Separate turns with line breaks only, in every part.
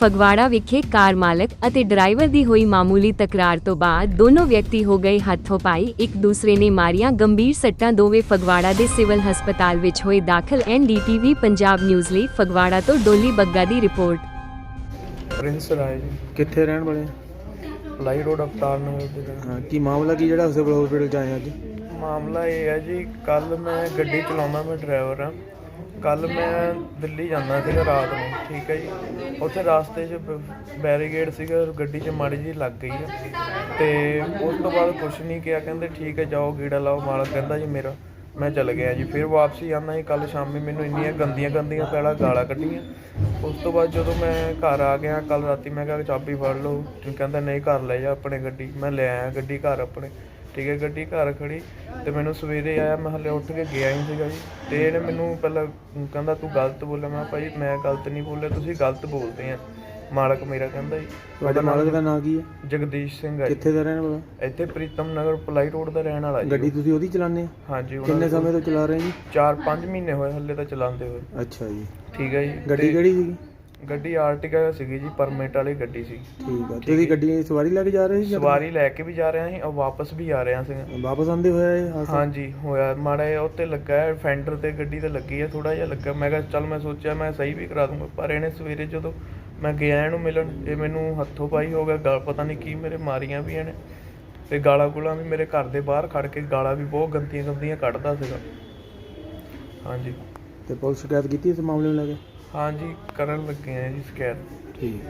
ਫਗਵਾੜਾ ਵਿਖੇ ਕਾਰ ਮਾਲਕ ਅਤੇ ਡਰਾਈਵਰ ਦੀ ਹੋਈ ਮਾਮੂਲੀ ਤਕਰਾਰ ਤੋਂ ਬਾਅਦ ਦੋਨੋਂ ਵਿਅਕਤੀ ਹੋ ਗਏ ਹੱਥੋਂ-ਪਾਈ। ਇੱਕ ਦੂਸਰੇ ਨੇ ਮਾਰੀਆਂ ਗੰਭੀਰ ਸੱਟਾਂ। ਦੋਵੇਂ ਫਗਵਾੜਾ ਦੇ ਸਿਵਲ ਹਸਪਤਾਲ ਵਿੱਚ ਹੋਏ ਦਾਖਲ। NDTV ਪੰਜਾਬ ਨਿਊਜ਼ ਲਈ ਫਗਵਾੜਾ ਤੋਂ ਡੋਲੀ ਬੱਗਾ ਦੀ ਰਿਪੋਰਟ।
ਪ੍ਰਿੰਸ ਰਾਏ ਜੀ,
ਕਿੱਥੇ ਰਹਿਣ ਵਾਲੇ?
ਪਲਾਈ ਰੋਡ ਅਵਤਾਰ ਨਗਰ ਦੇ।
ਹਾਂ, ਕੀ ਮਾਮਲਾ ਕੀ ਜਿਹੜਾ ਸਿਵਲ ਹਸਪੀਟਲ ਚ ਆਏ ਅੱਜ?
ਮਾਮਲਾ ਇਹ ਹੈ ਜੀ, ਕੱਲ ਮੈਂ ਗੱਡੀ ਚਲਾਉਂਦਾ, ਮੈਂ ਡਰਾਈਵਰ ਹਾਂ। ਕੱਲ ਮੈਂ ਦਿੱਲੀ ਜਾਂਦਾ ਸੀਗਾ ਰਾਤ ਨੂੰ, ਠੀਕ ਹੈ ਜੀ। ਉੱਥੇ ਰਾਸਤੇ 'ਚ ਬੈਰੀਗੇਡ ਸੀਗਾ, ਗੱਡੀ 'ਚ ਮਾੜੀ ਜਿਹੀ ਲੱਗ ਗਈ ਹੈ ਅਤੇ ਉਸ ਤੋਂ ਬਾਅਦ ਕੁਛ ਨਹੀਂ ਕਿਹਾ, ਕਹਿੰਦੇ ਠੀਕ ਹੈ ਜਾਓ ਗੇੜਾ ਲਾਓ। ਮਾਲਕ ਕਹਿੰਦਾ ਜੀ ਮੇਰਾ, ਮੈਂ ਚਲ ਗਿਆ ਜੀ। ਫਿਰ ਵਾਪਸੀ ਆਉਂਦਾ ਜੀ, ਕੱਲ੍ਹ ਸ਼ਾਮੀ ਮੈਨੂੰ ਇੰਨੀਆਂ ਗੰਦੀਆਂ ਪਹਿਲਾਂ ਗਾਲਾਂ ਕੱਢੀਆਂ। ਉਸ ਤੋਂ ਬਾਅਦ ਜਦੋਂ ਮੈਂ ਘਰ ਆ ਗਿਆ ਕੱਲ੍ਹ ਰਾਤੀ, ਮੈਂ ਕਿਹਾ ਚਾਬੀ ਫੜ ਲਓ। ਕਹਿੰਦਾ ਨਹੀਂ ਘਰ ਲੈ ਜਾ ਆਪਣੇ ਗੱਡੀ। ਮੈਂ ਲੈ ਆਇਆ ਗੱਡੀ ਘਰ ਆਪਣੇ, ਠੀਕ ਹੈ। ਗੱਡੀ ਘਰ ਖੜੀ ਅਤੇ ਮੈਨੂੰ ਸਵੇਰੇ ਆਇਆ, ਮੈਂ ਹਾਲੇ ਉੱਠ ਕੇ ਗਿਆ ਹੀ ਸੀਗਾ ਜੀ। ਅਤੇ ਇਹਨੇ ਮੈਨੂੰ ਪਹਿਲਾਂ ਕਹਿੰਦਾ ਤੂੰ ਗਲਤ ਬੋਲਿਆ। ਮੈਂ ਭਾਈ ਮੈਂ ਗਲਤ ਨਹੀਂ ਬੋਲਿਆ, ਤੁਸੀਂ ਗਲਤ ਬੋਲਦੇ ਆ। ਮਾਲਕ ਮੇਰਾ ਕਹਿੰਦਾ ਜੀ।
ਤੁਹਾਡੇ ਮਾਲਕ ਦਾ ਨਾਂ ਕੀ ਹੈ?
ਜਗਦੀਸ਼ ਸਿੰਘ ਹੈ।
ਕਿੱਥੇ ਦਾ ਰਹਿਣ ਵਾਲਾ?
ਇੱਥੇ ਪ੍ਰੀਤਮ ਨਗਰ ਪਲਾਈ ਰੋਡ ਦਾ ਰਹਿਣ ਵਾਲਾ ਜੀ।
ਗੱਡੀ ਤੁਸੀਂ ਉਹਦੀ ਚਲਾਉਂਦੇ ਹੋ?
ਹਾਂਜੀ।
ਕਿੰਨੇ ਸਮੇਂ ਤੋਂ ਚਲਾ ਰਹੇ ਜੀ?
4-5 ਮਹੀਨੇ ਹੋਏ ਹੱਲੇ ਤਾਂ ਚਲਾਉਂਦੇ ਹੋਏ।
ਅੱਛਾ ਜੀ,
ਠੀਕ ਹੈ ਜੀ।
ਗੱਡੀ ਕਿਹੜੀ ਸੀਗੀ?
ਗੱਡੀ ਆਰਟੀਕਾ ਸੀਗੀ ਜੀ, ਪਰਮਿਟ ਵਾਲੀ ਗੱਡੀ ਸੀ।
ਠੀਕ ਹੈ। ਤੁਸੀਂ ਗੱਡੀ ਦੀ ਸਵਾਰੀ ਲੈ ਕੇ ਜਾ ਰਹੇ ਸੀ?
ਸਵਾਰੀ ਲੈ ਕੇ ਵੀ ਜਾ ਰਿਹਾ ਸੀ ਔਰ ਵਾਪਸ ਵੀ ਆ ਰਿਹਾ ਸੀ।
ਵਾਪਸ ਆਉਂਦੇ ਹੋਇਆ ਇਹ ਹਾਦਸਾ?
ਹਾਂਜੀ ਹੋਇਆ। ਮਾੜਾ ਜਿਹਾ ਉੱਤੇ ਲੱਗਾ ਹੈ, ਫੈਂਡਰ ਤੇ ਗੱਡੀ ਤੇ ਲੱਗੀ ਹੈ, ਥੋੜਾ ਜਿਹਾ ਲੱਗਾ। ਮੈਂ ਕਿਹਾ ਚੱਲ, ਮੈਂ ਸੋਚਿਆ ਮੈਂ ਸਹੀ ਵੀ ਕਰਾ ਦੂੰਗਾ। ਪਰ ਇਹਨੇ ਸਵੇਰੇ ਜਦੋਂ ਮੈਂ ਗਿਆ ਇਹਨੂੰ ਮਿਲਣ, ਇਹ ਮੈਨੂੰ ਹੱਥੋਂ ਪਾਈ ਹੋ ਗਿਆ। ਗਾਲ ਪਤਾ ਨਹੀਂ ਕੀ ਮੇਰੇ ਮਾਰੀਆਂ ਵੀ ਇਹਨੇ, ਤੇ ਗਾਲਾਂ ਗੂਲਾਂ ਵੀ ਮੇਰੇ ਘਰ ਦੇ ਬਾਹਰ ਖੜ ਕੇ ਗਾਲਾਂ ਵੀ ਬਹੁਤ ਗੰਦੀਆਂ ਕੱਢਦਾ ਸੀਗਾ। ਹਾਂਜੀ।
ਤੇ ਪੁਲਿਸ ਸ਼ਿਕਾਇਤ ਕੀਤੀ ਇਸ ਮਾਮਲੇ ਨੂੰ ਲੈ ਕੇ?
ਹਾਂਜੀ ਕਰਨ ਲੱਗੇ ਆ ਜੀ ਸ਼ਿਕਾਇਤ।
ਠੀਕ।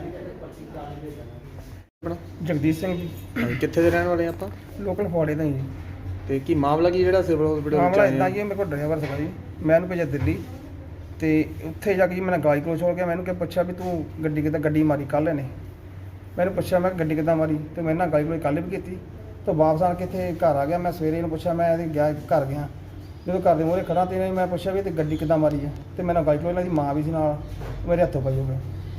ਜਗਦੀਸ਼ ਸਿੰਘ ਜੀ,
ਕਿੱਥੇ ਦੇ ਰਹਿਣ ਵਾਲੇ ਆਪਾਂ?
ਲੋਕਲ ਫਗਵਾੜੇ ਦਾ ਹੀ ਜੀ।
ਤੇ ਕੀ ਮਾਮਲਾ ਕੀ ਜਿਹੜਾ ਸਿਵਲ ਹਸਪੀਟਲ ਵਿੱਚ
ਮਾਮਲਾ
ਆਏ
ਇੱਦਾਂ ਜੀ, ਮੇਰੇ ਕੋਲ ਡਰਾਈਵਰ ਸੀਗਾ ਜੀ, ਮੈਂ ਇਹਨੂੰ ਭੇਜਿਆ ਦਿੱਲੀ। ਤੇ ਉੱਥੇ ਜਾ ਕੇ ਜੀ ਮੈਂ ਗਾਲੀ ਕਲੋਚ ਹੋ ਗਿਆ। ਮੈਨੂੰ ਪੁੱਛਿਆ ਵੀ ਤੂੰ ਗੱਡੀ ਕਿੱਦਾਂ ਗੱਡੀ ਮਾਰੀ ਕੱਲ੍ਹ ਇਹਨੇ। ਮੈਨੂੰ ਪੁੱਛਿਆ ਮੈਂ ਗੱਡੀ ਕਿੱਦਾਂ ਮਾਰੀ, ਤੇ ਮੈਂ ਨਾ ਗਾਲੀ ਕਲੋਚ ਕੱਲ੍ਹ ਵੀ ਕੀਤੀ। ਤਾਂ ਵਾਪਸ ਆ ਕੇ ਇੱਥੇ ਘਰ ਆ ਗਿਆ। ਮੈਂ ਸਵੇਰੇ ਇਹਨੂੰ ਪੁੱਛਿਆ, ਮੈਂ ਇਹਦੇ ਗਿਆ ਘਰ ਗਿਆ, ਜਦੋਂ ਘਰ ਦੇ ਮੂਹਰੇ ਖੜਾ ਤੇ ਮੈਂ ਪੁੱਛਿਆ ਵੀ ਤੇ ਗੱਡੀ ਕਿੱਦਾਂ ਮਾਰੀ ਹੈ। ਤੇ ਮੈਂ ਨਾਲ ਗਾਲੀ ਕਲੋਚ, ਇਹਨਾਂ ਦੀ ਮਾਂ ਵੀ ਸੀ ਨਾਲ, ਮੇਰੇ ਹੱਥੋਂ ਪਈ ਹੋ ਗਿਆ।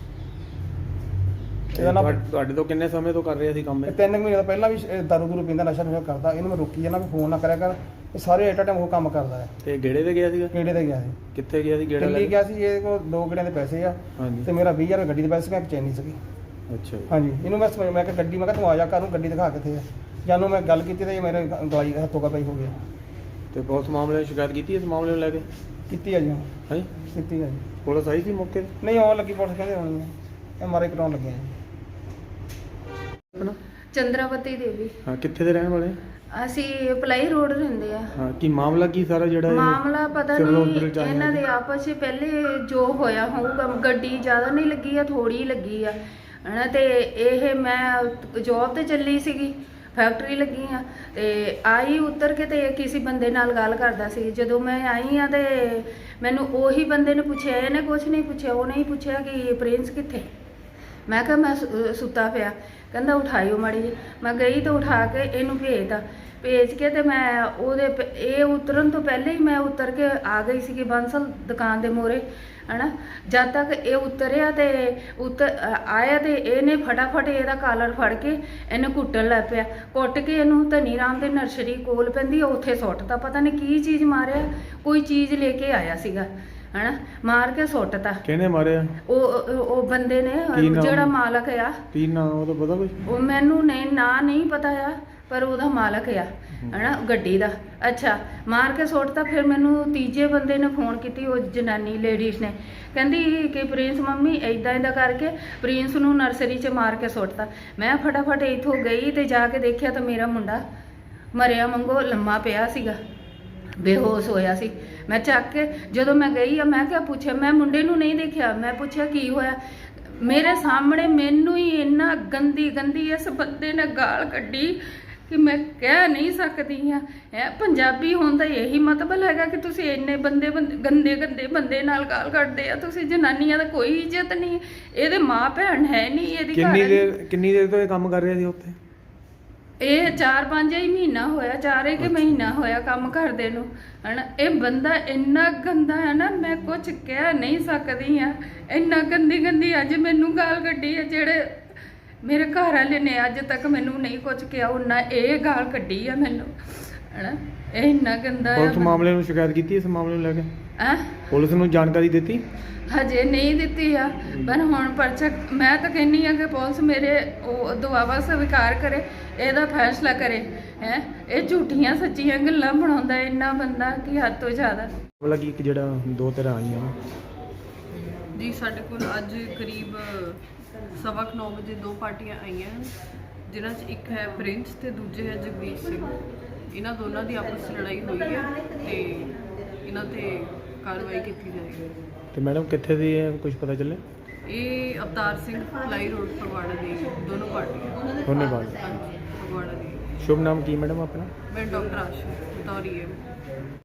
ਤੁਹਾਡੇ ਤੋਂ ਕਿੰਨੇ ਸਮੇਂ ਤੋਂ ਕਰ ਰਿਹਾ ਸੀ ਕੰਮ ਇਹ?
3 ਮਹੀਨੇ ਤੋਂ ਪਹਿਲਾਂ ਵੀ ਦਾਰੂ ਦੂਰੂ ਪੀਂਦਾ, ਨਸ਼ਾ ਕਰਦਾ। ਇਹਨੂੰ ਮੈਂ ਰੋਕੀ ਜਾਂਦਾ ਵੀ ਫੋਨ ਨਾ ਕਰਿਆ ਕਰ, ਇਹ ਸਾਰੇ ਐਟ ਟਾਈਮ ਉਹ ਕੰਮ ਕਰਦਾ ਹੈ।
ਤੇ ਗੇੜੇ ਤੇ ਗਿਆ ਸੀਗਾ?
ਕਿਹੜੇ ਤੇ ਗਿਆ ਸੀ?
ਕਿੱਥੇ ਗਿਆ ਸੀ ਗੇੜਾ?
ਦਿੱਲੀ ਗਿਆ ਸੀ। ਇਹਦੇ ਕੋਲ 2 ਗੇੜਿਆਂ ਦੇ ਪੈਸੇ ਆ।
ਹਾਂਜੀ।
ਤੇ ਮੇਰਾ 20,000 ਰੁਪਏ ਗੱਡੀ ਦੇ ਪੈਸੇ, ਮੈਂ ਚੈਨੀ ਸੀਗੀ।
ਅੱਛਾ ਜੀ।
ਹਾਂਜੀ। ਇਹਨੂੰ ਮੈਂ ਕਿਹਾ ਗੱਡੀ, ਮੈਂ ਕਿਹਾ ਤੂੰ ਆ ਜਾ ਘਰ ਨੂੰ, ਗੱਡੀ ਦਿਖਾ ਕਿੱਥੇ ਆ। ਜਾਨੂੰ ਮੈਂ ਗੱਲ ਕੀਤੀ ਤੇ ਮੇਰੇ ਗਲਾਈ ਹੱਥੋਂ ਕਾ ਪਈ ਹੋ ਗਿਆ।
ਤੇ ਪੁਲਿਸ ਮਾਮਲੇ ਦੀ ਸ਼ਿਕਾਇਤ ਕੀਤੀ ਇਸ ਮਾਮਲੇ ਨੂੰ ਲੈ ਕੇ?
ਕੀਤੀ ਆ ਜੀ।
ਹਾਂ,
ਕੀਤੀ ਆ ਜੀ।
ਪੁਲਿਸ ਆਈ ਸੀ ਮੌਕੇ ਤੇ?
ਨਹੀਂ ਆਉਣ ਲੱਗੀ ਪੁਲਿਸ, ਕਹਿੰਦੇ ਹੋਣੀ ਹੈ। ਇਹ ਮਾਰੇ ਕਟਾਉਣ ਲੱਗੇ ਆ ਜੀ।
ਚੰਦਰਾਵਤੀ ਦੇਵੀ।
ਹਾਂ, ਕਿੱਥੇ ਦੇ ਰਹਿਣ ਵਾਲੇ?
ਅਸੀਂ ਪਲਾਈ ਰੋਡ ਰਹਿੰਦੇ ਆ।
ਹਾਂ, ਕੀ ਮਾਮਲਾ ਕੀ ਸਾਰਾ ਜਿਹੜਾ ਇਹ
ਮਾਮਲਾ ਪਤਾ
ਸਿਵਲ
ਨਹੀਂ,
hospital ਚ ਆਏ
ਇਹਨਾਂ
ਆ?
ਦੇ ਆਪਸ ਵਿੱਚ ਪਹਿਲੇ ਜੋ ਹੋਇਆ ਹੋਊਗਾ। ਗੱਡੀ ਜ਼ਿਆਦਾ ਨਹੀਂ ਲੱਗੀ ਆ, ਥੋੜੀ ਲੱਗੀ ਆ ਹਨਾ। ਤੇ ਇਹ ਮੈਂ ਜੌਬ ਤੇ ਚੱਲੀ ਸੀਗੀ, ਫੈਕਟਰੀ ਲੱਗੀ ਆ, ਤੇ ਆਈ ਉਤਰ ਕੇ ਤੇ ਕਿਸੇ ਬੰਦੇ ਨਾਲ ਗੱਲ ਕਰਦਾ ਸੀ। ਜਦੋਂ ਮੈਂ ਆਈ ਆ ਤੇ ਮੈਨੂੰ ਉਹੀ ਬੰਦੇ ਨੇ ਪੁੱਛਿਆ, ਇਹਨੇ ਕੁਛ ਨਹੀਂ ਪੁੱਛਿਆ। ਉਹ ਨਹੀਂ ਪੁੱਛਿਆ ਕਿ ਪ੍ਰਿੰਸ ਕਿੱਥੇ। ਮੈਂ ਕਿਹਾ ਮੈਂ ਸੁੱਤਾ ਪਿਆ। ਕਹਿੰਦਾ ਉਠਾਇਓ ਮਾੜੀ ਜੀ। ਮੈਂ ਗਈ ਤਾਂ ਉਠਾ ਕੇ ਇਹਨੂੰ ਭੇਜ ਕੇ ਤੇ ਮੈਂ ਇਹ ਉਤਰਨ ਤੋਂ ਪਹਿਲੇ ਹੀ ਮੈਂ ਉਤਰ ਕੇ ਆ ਗਈ ਸੀਗੀ ਬੰਸਲ ਦੁਕਾਨ ਦੇ ਮੂਹਰੇ ਹਨਾ। ਜਦ ਤੱਕ ਇਹ ਉਤਰਿਆ ਤੇ ਆਇਆ ਤੇ ਇਹਨੇ ਫਟਾਫਟ ਇਹਦਾ ਕਾਲਰ ਫੜ ਕੇ ਇਹਨੂੰ ਕੁੱਟਣ ਲੱਗ ਪਿਆ। ਕੁੱਟ ਕੇ ਇਹਨੂੰ ਧਨੀ ਰਾਮ ਦੇ ਨਰਸਰੀ ਕੋਲ ਪੈਂਦੀ ਆ, ਉੱਥੇ ਸੁੱਟਤਾ। ਪਤਾ ਨਹੀਂ ਕੀ ਚੀਜ਼ ਮਾਰਿਆ, ਕੋਈ ਚੀਜ਼ ਲੈ ਕੇ ਆਇਆ ਸੀਗਾ ਹਨਾ, ਮਾਰ ਕੇ ਸੁੱਟਤਾ।
ਕਿਹਨੇ ਮਾਰਿਆ?
ਉਹ ਬੰਦੇ ਨੇ, ਜਿਹੜਾ ਮਾਲਕ ਆ।
ਕੀ ਨਾਮ ਉਹਦਾ ਪਤਾ ਕੁਝ?
ਉਹ ਮੈਨੂੰ ਨਹੀਂ ਪਤਾ ਆ, ਪਰ ਉਹਦਾ ਮਾਲਕ ਆ ਹਨਾ ਗੱਡੀ ਦਾ। ਅੱਛਾ, ਮਾਰ ਕੇ ਸੁੱਟਤਾ। ਫਿਰ ਮੈਨੂੰ ਤੀਜੇ ਬੰਦੇ ਨੇ ਫੋਨ ਕੀਤੀ, ਉਹ ਜਨਾਨੀ ਲੇਡੀਜ਼ ਨੇ, ਕਹਿੰਦੀ ਕਿ ਪ੍ਰਿੰਸ ਮੰਮੀ ਇੱਦਾਂ ਕਰਕੇ ਪ੍ਰਿੰਸ ਨੂੰ ਨਰਸਰੀ 'ਚ ਮਾਰ ਕੇ ਸੁੱਟਤਾ। ਮੈਂ ਫਟਾਫਟ ਇੱਥੋਂ ਗਈ ਤੇ ਜਾ ਕੇ ਦੇਖਿਆ ਤਾਂ ਮੇਰਾ ਮੁੰਡਾ ਮਰਿਆ ਵਾਂਗੂ ਲੰਮਾ ਪਿਆ ਸੀਗਾ, ਬੇਹੋਸ਼ ਹੋਇਆ ਸੀ। ਮੈਂ ਚੱਕ ਕੇ ਜਦੋਂ ਮੈਂ ਗਈ ਆ, ਮੈਂ ਕਿਹਾ ਪੁੱਛਿਆ, ਮੈਂ ਮੁੰਡੇ ਨੂੰ ਨਹੀਂ ਦੇਖਿਆ। ਮੈਂ ਪੁੱਛਿਆ ਕੀ ਹੋਇਆ। ਮੇਰੇ ਸਾਹਮਣੇ ਮੈਨੂੰ ਹੀ ਇੰਨਾ ਗੰਦੀ ਇਸ ਬੰਦੇ ਨੇ ਗਾਲ ਕੱਢੀ ਕਿ ਮੈਂ ਕਹਿ ਨਹੀਂ ਸਕਦੀ ਹਾਂ। ਪੰਜਾਬੀ ਹੋਣ ਦਾ ਇਹੀ ਮਤਲਬ ਹੈਗਾ ਕਿ ਤੁਸੀਂ ਇੰਨੇ ਗੰਦੇ ਬੰਦੇ ਨਾਲ ਗਾਲ ਕੱਢਦੇ ਆ। ਤੁਸੀਂ ਜਨਾਨੀਆਂ ਦਾ ਕੋਈ ਇੱਜ਼ਤ ਨਹੀਂ। ਇਹਦੇ ਮਾਂ ਭੈਣ ਹੈ ਨਹੀਂ, ਇਹਦੀ
ਕਿੰਨੀ ਦੇਰ ਤੋਂ ਇਹ ਕੰਮ ਕਰ ਰਿਹਾ ਸੀ ਉੱਥੇ?
ਇਹ 4-5 ਹੀ ਮਹੀਨਾ ਹੋਇਆ, 4 ਕਿ ਮਹੀਨਾ ਹੋਇਆ ਕੰਮ ਕਰਦੇ ਨੂੰ ਹਨਾ। ਇਹ ਬੰਦਾ ਇੰਨਾ ਗੰਦਾ ਹੈ ਨਾ, ਮੈਂ ਕੁਝ ਕਹਿ ਨਹੀਂ ਸਕਦੀ ਆ। ਇੰਨਾ ਗੰਦੀ ਅੱਜ ਮੈਨੂੰ ਗਾਲ ਕੱਢੀ ਹੈ। ਜਿਹੜੇ ਮੇਰੇ ਘਰ ਵਾਲੇ ਨੇ ਅੱਜ ਤੱਕ ਮੈਨੂੰ ਨਹੀਂ ਕੁਝ ਕਿਹਾ, ਉਹਨਾਂ ਇਹ ਗਾਲ ਕੱਢੀ ਆ ਮੈਨੂੰ ਹਨਾ ਇਹ ਇੰਨਾ ਗੰਦਾ
ਪੁਲਿਸ ਮਾਮਲੇ ਨੂੰ ਸ਼ਿਕਾਇਤ ਕੀਤੀ ਇਸ ਮਾਮਲੇ ਨੂੰ ਲੈ ਕੇ
ਹੈ
ਪੁਲਿਸ ਨੂੰ ਜਾਣਕਾਰੀ ਦਿੱਤੀ?
ਹਜੇ ਨਹੀਂ ਦਿੱਤੀ ਆ, ਪਰ ਹੁਣ ਪਰਚਾ ਮੈਂ ਤਾਂ ਕਹਿੰਨੀ ਆ ਕਿ ਪੁਲਿਸ ਮੇਰੇ ਉਹ ਦੁਆਵਾ ਸਵੀਕਾਰ ਕਰੇ, ਇਹਦਾ ਫੈਸਲਾ ਕਰੇ। ਹੈ ਇਹ ਝੂਠੀਆਂ ਸੱਚੀਆਂ ਗੱਲਾਂ ਬਣਾਉਂਦਾ ਇੰਨਾ ਬੰਦਾ ਕਿ ਹੱਦ ਤੋਂ ਜ਼ਿਆਦਾ।
ਮਾਮਲਾ ਕੀ ਇੱਕ ਜਿਹੜਾ ਦੋ ਤਰ੍ਹਾਂ ਆਈਆਂ ਵਾ।
ਜੀ ਸਾਡੇ ਕੋਲ ਅੱਜ ਕਰੀਬ 9:15 ਵਜੇ ਦੋ ਪਾਰਟੀਆਂ ਆਈਆਂ ਹਨ, ਜਿਨ੍ਹਾਂ 'ਚ ਇੱਕ ਹੈ ਪ੍ਰਿੰਸ ਤੇ ਦੂਜੇ ਹੈ ਜਗਦੀਸ਼ ਸਿੰਘ। ਇਹਨਾਂ ਦੋਨਾਂ ਦੀ ਆਪਸ 'ਚ ਲੜਾਈ ਹੋਈ ਹੈ ਤੇ ਇਹਨਾਂ ਤੇ ਕਾਰਵਾਈ ਕੀਤੀ ਜਾਏਗੀ।
ਤੇ ਮੈਡਮ ਕਿੱਥੇ ਦੀ ਹੈ ਕੁਝ ਪਤਾ ਚੱਲੇ?
ਇਹ ਅਵਤਾਰ ਸਿੰਘ ਫਲਾਈ ਰੋਡ ਫਗਵਾੜਾ ਦੀ ਦੋਨੋਂ ਪਾਰਟੀਆਂ।
ਧੰਨਵਾਦ।
ਹਾਂਜੀ ਫਗਵਾੜਾ ਦੀ।
ਸ਼ੁਭ ਨਾਮ ਕੀ ਮੈਡਮ ਆਪਣਾ?
ਮੈਂ ਡਾਕਟਰ ਆਸ਼ੂ ਤੌਰੀ ਹੈ।